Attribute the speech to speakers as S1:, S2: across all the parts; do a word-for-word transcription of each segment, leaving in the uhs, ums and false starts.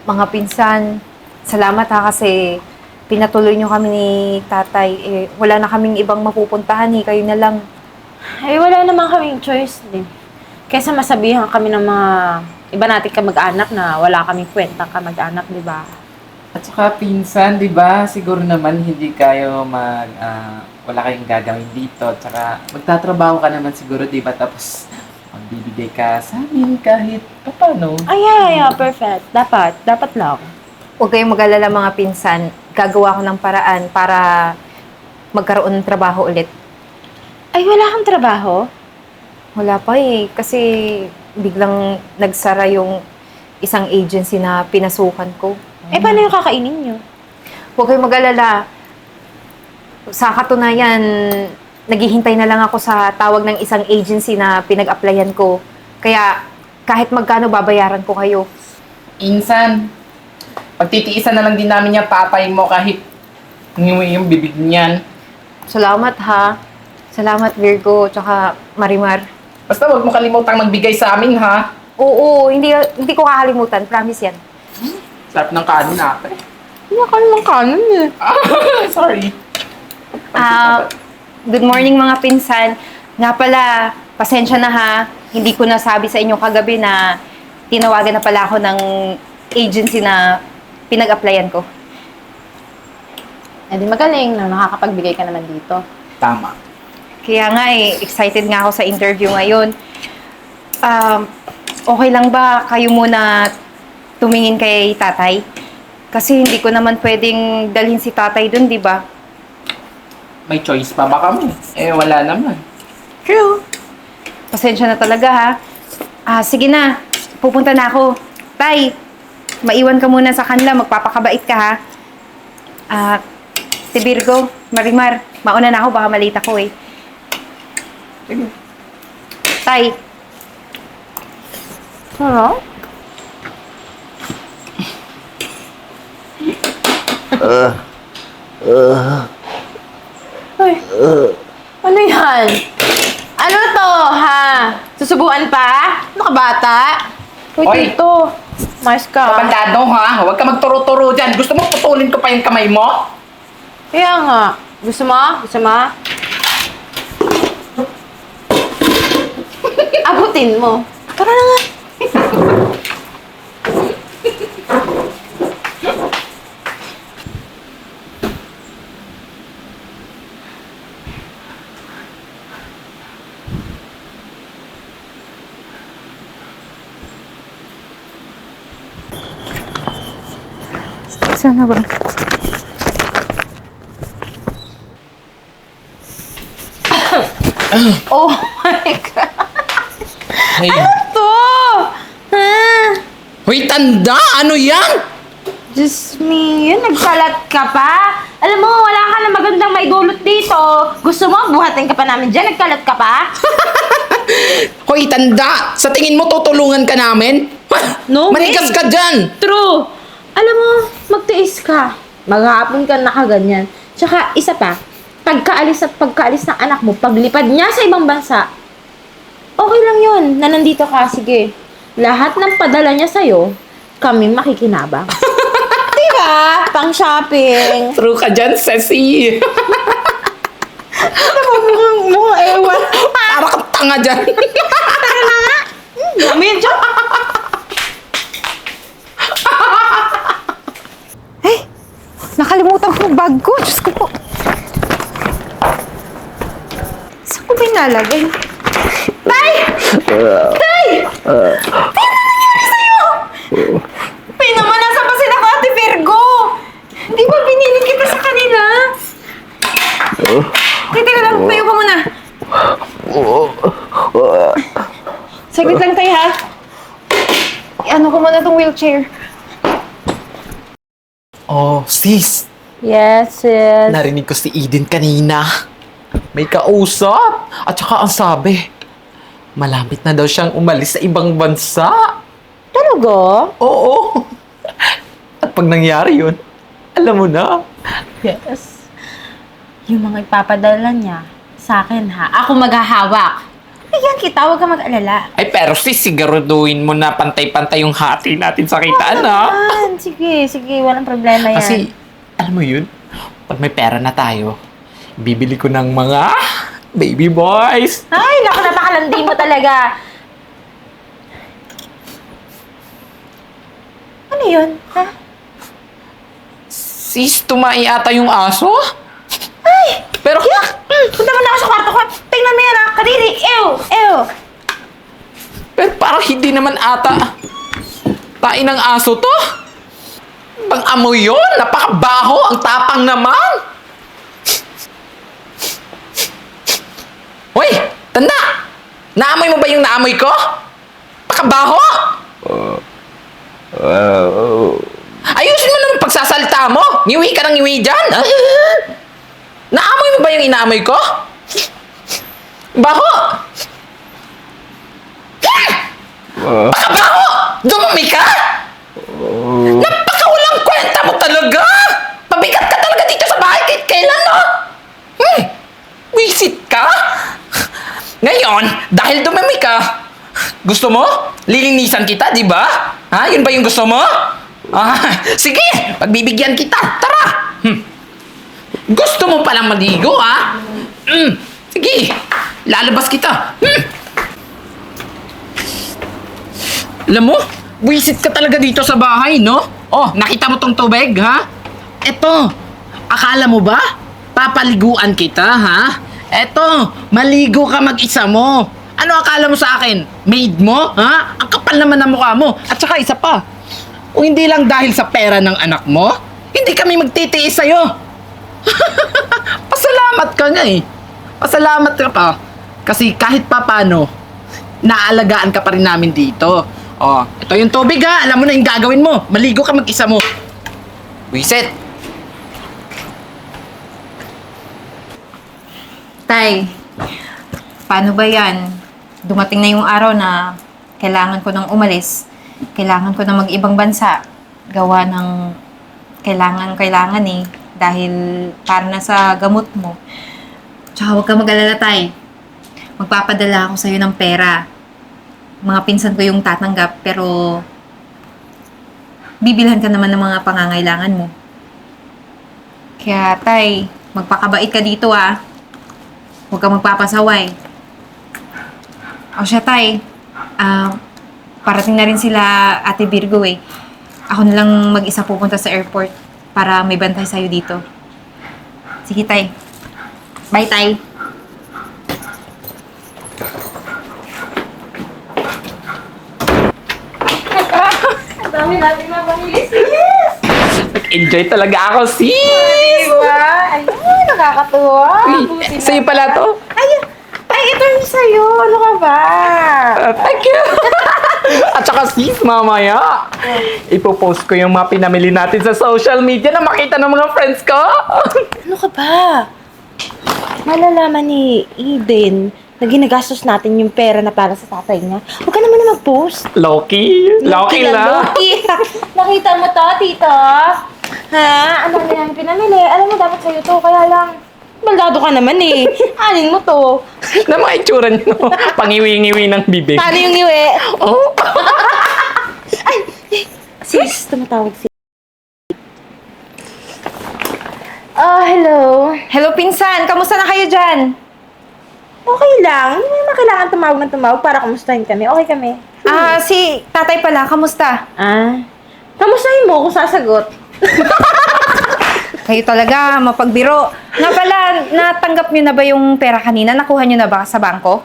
S1: Mga pinsan, salamat ha kasi pinatuloy nyo kami ni tatay. Eh, wala na kaming ibang mapupuntahan eh, kayo na lang.
S2: Ay, wala naman kaming choice din. Kaysa masabihan kami ng mga iba nating kamag-anak na wala kaming kwentang kamag-anak, di ba?
S3: At saka pinsan, di ba? Siguro naman hindi kayo mag... ah, wala kayong gagawin dito. At saka magtatrabaho ka naman siguro, di ba? Tapos magbibigay ka sa amin kahit paano.
S2: Ay, yeah, yeah, perfect. Dapat, dapat lang.
S1: Huwag kayong mag-alala mga pinsan. Gagawa ko ng paraan para magkaroon ng trabaho ulit.
S2: Ay, wala kang trabaho?
S1: Wala pa eh, kasi biglang nagsara yung isang agency na pinasukan ko.
S2: Eh, paano yung kakainin nyo?
S1: Huwag kayong mag-alala. Sa katunayan, naghihintay na lang ako sa tawag ng isang agency na pinag-applyan ko. Kaya kahit magkano babayaran ko kayo.
S3: Insan, pagtitiisan na lang din namin yung papay mo kahit yung, yung bibig niyan.
S1: Salamat ha. Salamat Virgo, tsaka Marimar.
S3: Basta wag mo kalimutang magbigay sa amin, ha?
S1: Oo, hindi hindi ko kakalimutan. Promise yan.
S3: Sarap ng kanin natin.
S2: Hindi ka naman kanon eh.
S3: Sorry.
S1: Ah, good morning mga pinsan. Nga pala, pasensya na ha. Hindi ko nasabi sa inyo kagabi na tinawagan na pala ako ng agency na pinag-applyan ko.
S2: Eh, di magaling na nakakapagbigay ka naman dito.
S3: Tama.
S1: Kaya nga eh, excited nga ako sa interview ngayon. Um, okay lang ba kayo muna tumingin kay tatay? Kasi hindi ko naman pwedeng dalhin si tatay dun, di ba?
S3: May choice pa ba kami? Eh, wala naman.
S1: True. Pasensya na talaga ha. Ah, sige na. Pupunta na ako. Tay, maiwan ka muna sa kanila. Magpapakabait ka ha. Ah, si Virgo, Marimar, mauna na ako. Baka malita ko eh.
S3: Sige.
S1: Tay,
S2: Ano? Ay, ano yan? Ano to, ha? Susubuan pa? Ano ka, bata? Uy,
S3: Oy!
S2: tito. Mais ka.
S3: Kapandado, ha? Huwag ka magturo-turo dyan. Gusto mo putulin ko pa yung kamay mo?
S2: Kaya nga. Gusto mo? Gusto mo? Abutin mo. Tara na nga.
S1: sana ba?
S2: Oh my God.
S3: Hey.
S2: To! Ha?
S3: Hoy, tanda! Ano yan?
S2: Diyos me, yun, nagkalat ka pa? Alam mo, wala ka na magandang maidulot dito. Gusto mo, buhatin ka pa namin dyan, nagkalat ka pa?
S3: Hoy, tanda! Sa tingin mo tutulungan ka namin?
S2: No
S3: Manigas
S2: way.
S3: ka dyan!
S2: True. Alam mo, magtiis ka. Maghapon ka nakaganyan. Tsaka, isa pa, pagkaalis at pagkaalis ng anak mo, paglipad niya sa ibang bansa, okay lang yun, na nandito ka, sige. Lahat ng padala niya sa'yo, kami makikinabang. Diba? Pang shopping.
S3: True ka dyan, Ceci!
S2: Ano mo, mukhang, mukhang ewan.
S3: Para kang tanga dyan!
S2: Medyo.
S1: Eh, nakalimutan ko yung bag ko. Diyos ko po. Saan ko ba inalagay? Tay! Tay! Tay, ano nangyari sa'yo? Tay naman, nasa pa sila ko, Ate Virgo? Di ba binili kita sa kanila? Tay, teka lang, tayo ka muna. Saglit lang tayo, ha? Ano ko muna tong wheelchair.
S3: Oh, sis!
S2: Yes, yes.
S3: Narinig ko si Eden kanina. May kausap. At saka ang sabi, malapit na daw siyang umalis sa ibang bansa.
S2: Talaga?
S3: Oo. At pag nangyari yun, alam mo na.
S2: Yes. Yung mga ipapadala niya, sa akin ha. Ako maghahawak. Bigyan kita, huwag ka mag-alala.
S3: Ay, pero sis, siguraduhin mo na pantay-pantay yung hati natin sa kitaan, ha?
S2: Man, yan. Sige, sige. Walang problema yan.
S3: Kasi, alam mo yun, pag may pera na tayo, bibili ko ng mga baby boys.
S2: Ay, naku, napakalandi mo talaga. Ano yun? Ha?
S3: Sis, tumai ata yung aso?
S2: Ay!
S3: Pero,
S2: Mm, punta mo na ako sa kwarto ko. Tingnan mo yan, ha? Kadiri! Ew! Ew!
S3: pero parang hindi naman ata tain ng aso to. Pang amoy yun, napakabaho, ang tapang naman. Hoy, tanda! Naamoy mo ba yung naamoy ko? Pakabaho! Ayusin mo naman pagsasalta mo. Ngiwi ka ng ngiwi dyan. Ah. Naamoy mo ba yung inaamoy ko? Baho! Pakabaho! Dumami ka? Napakawalang kwenta mo talaga! Pabigat ka talaga dito sa bahay kahit kailan, no? Hmm, wisit ka? Ngayon, dahil dumami ka, gusto mo? Lilinisan kita, di ba? Ha? Yun ba yung gusto mo? Ah, sige, pagbibigyan kita. Tara! Hmm. Gusto mo palang maligo, ha? Hmm, sige, lalabas kita. Hmm. Alam mo, wisit ka talaga dito sa bahay, no? Oh, nakita mo tong tubig, ha? Eto, akala mo ba? Papaliguan kita, ha? Eto, maligo ka mag-isa mo. Ano akala mo sa akin? Maid mo, ha? Ang kapal naman ng mukha mo. At saka isa pa, kung hindi lang dahil sa pera ng anak mo, hindi kami magtitiis sa'yo. Pasalamat ka nga eh. Pasalamat ka pa. Kasi kahit papano, naalagaan ka pa rin namin dito. Oh, ito yung tubig ha. Alam mo na yung gagawin mo. Maligo ka mag-isa mo. Wiset.
S1: Tay, paano ba yan? Dumating na yung araw na kailangan ko nang umalis. Kailangan ko na mag-ibang bansa. Gawa ng kailangan-kailangan eh. Dahil para na sa gamot mo. Tsaka huwag ka mag-alala, Tay. Magpapadala ako sa'yo ng pera. Mga pinsan ko yung tatanggap, pero bibilhan ka naman ng mga pangangailangan mo. Kaya, Tay, magpakabait ka dito ah. Huwag ka magpapasaway. O siya, Tay, ah, parating na rin sila Ate Virgo eh. Ako na lang mag-isa pupunta sa airport para may bantay sa'yo dito. Sige, Tay. Bye, Tay.
S2: Ang dami natin na pamilis. Yes!
S3: Nag-enjoy talaga ako, sis!
S2: Diba? Ayun, nakakatuwa. Buti
S3: Uy, sa'yo
S2: naman.
S3: pala to.
S2: Ay, ay, ito yung sa'yo. Ano ka ba?
S3: Uh, thank you! At saka sis, mamaya, ipopost ko yung mga pinamili natin sa social media na makita ng mga friends ko.
S2: Ano ka ba? Malalaman ni Eden na ginagastos natin yung pera na para sa tatay niya. Huwag ka naman na mag-post.
S3: Loki? Loki lang.
S2: Loki. Nakita mo to, tito? Ha? Ano na yan pinamili? Alam mo, dapat sa'yo to. Kaya lang, baldado ka naman eh. Anin mo to?
S3: Na mga itsura niyo, pangiwi-ngiwi ng bibig.
S2: Paano yung iwi?
S3: Oh.
S2: Ay! Sis, tumatawag si... Oh, hello.
S1: Hello, pinsan! Kamusta na kayo dyan?
S2: Okay lang. Hindi mo naman kailangan tumawag ng tumawag para kamustahin kami. Okay kami.
S1: Ah, si tatay pala. Kamusta?
S2: Ah? Kamustahin mo kung sasagot?
S1: Kayo talaga, mapagbiro. Nga pala, natanggap nyo na ba yung pera kanina? Nakuha nyo na ba sa bangko?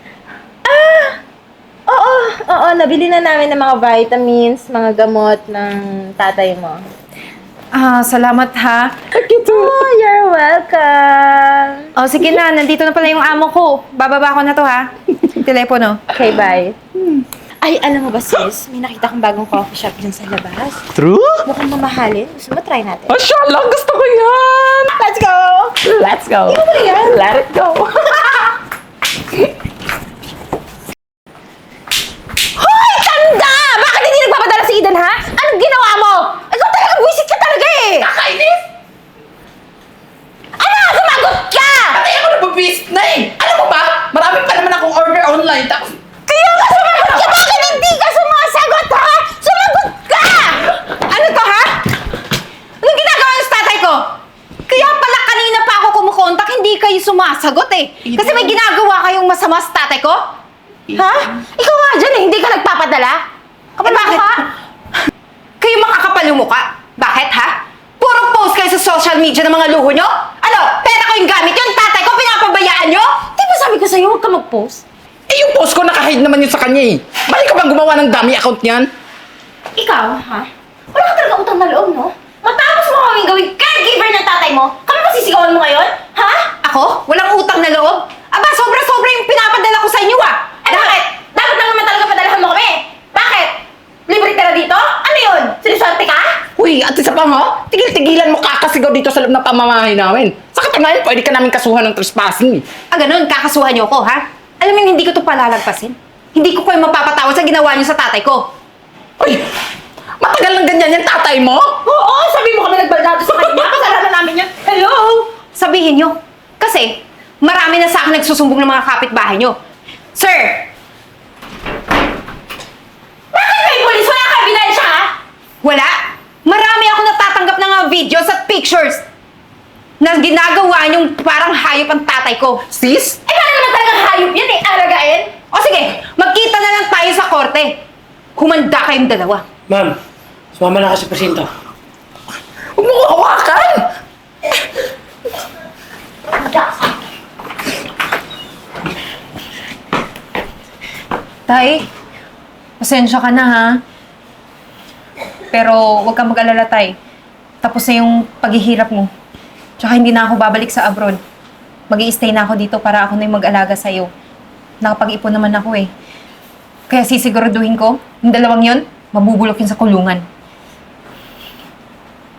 S2: Oo, oo. Nabili na namin ng mga vitamins, mga gamot ng tatay mo.
S1: Ah, salamat ha.
S2: Oh, you're welcome.
S1: O, sige na. Nandito na pala yung amo ko. Bababa ko na to ha. Telepono.
S2: Okay, bye. Ay, alam mo ba sis, may nakita kong bagong coffee shop dyan sa labas.
S3: True?
S2: Mukhang mamahalin. Gusto mo try natin?
S3: Mashallah, gusto ko yan!
S2: Let's go!
S3: Let's go!
S2: Ikaw ba yan?
S3: Let it go!
S2: Hoy, tanda! Bakit hindi nagpapadala si Eden, ha? Anong ginawa mo? Ikaw talaga, buwisit ka talaga eh!
S3: Nakainis!
S2: Ano? Sumagot ka!
S3: Patay ako nababisit na eh! Alam mo ba? Marami pa naman akong order online tapos
S2: Kaya nga sumagot ka! Bakit hindi ka sumasagot, ha? Sumagot ka!
S1: Ano to sumasagot eh. Kasi may ginagawa kayong masama sa tatay ko?
S2: Ha? Ikaw nga dyan eh, hindi ka nagpapadala?
S1: Eh, bakit? Kayo makakapal yung mukha. Bakit, ha? Puro post kayo sa social media ng mga luho nyo? Ano? Pera ko yung gamit yung tatay ko, pinapabayaan nyo?
S2: Di ba sabi ko sa'yo, huwag ka mag-post?
S3: Eh, yung post ko nakahide naman yun sa kanya eh. Balik ka bang gumawa ng dummy account niyan?
S2: Ikaw, ha? Wala ka talaga utang na loob, no? Matapos mo kaming gawing caregiver ng tatay mo, kami masisigawan mo ngayon? Ha?
S1: Ako? Walang utang na loob? Aba, sobra-sobra yung pinapadala ko sa inyo, ah!
S2: Eh bakit? Dapat lang naman talaga padalahan mo kami. Bakit? Libre ka na dito? Ano yun? Siniswerte ka?
S3: Uy, at isa pa nga, tigil-tigilan mo kakasigaw dito sa loob ng pamamahay namin. Sa katunayan, pwede ka namin kasuhan ng trespassing eh.
S1: Ah, ganun, kakasuhan niyo ako, ha? Alam mo, hindi ko to palalagpasin. Hindi ko kayo mapapatawad sa ginawa niyo sa tatay ko.
S3: Uy, matagal lang ganyan yung tatay mo?
S2: Oo, sabi mo kami nagbaldato sa kanya. Kasalanan namin yan. Hello?
S1: Sabihin niyo. Kasi, marami na sa akin nagsusumbong ng mga kapitbahay niyo. Sir!
S2: Bakit may polis? Wala ka ebidensya, ha?
S1: Wala! Marami ako natatanggap ng mga videos at pictures na ginagawa niyong parang hayop ang tatay ko.
S3: Sis?
S2: Eh, paano naman talagang hayop yan eh? Alagain?
S1: O sige, magkita na lang tayo sa korte. Humanda kayong dalawa.
S4: Ma'am, sumama na ka sa presinto.
S3: Huwag mo ko hawakan!
S1: Tay, pasensya ka na ha. Pero huwag kang mag-alala, Tay. Tapos na yung paghihirap mo. Tsaka hindi na ako babalik sa abroad. Mag-i-stay na ako dito para ako na yung mag-alaga sa'yo. Nakapag-ipon naman ako eh. Kaya sisiguraduhin ko, yung dalawang yon, mabubulok yun sa kulungan.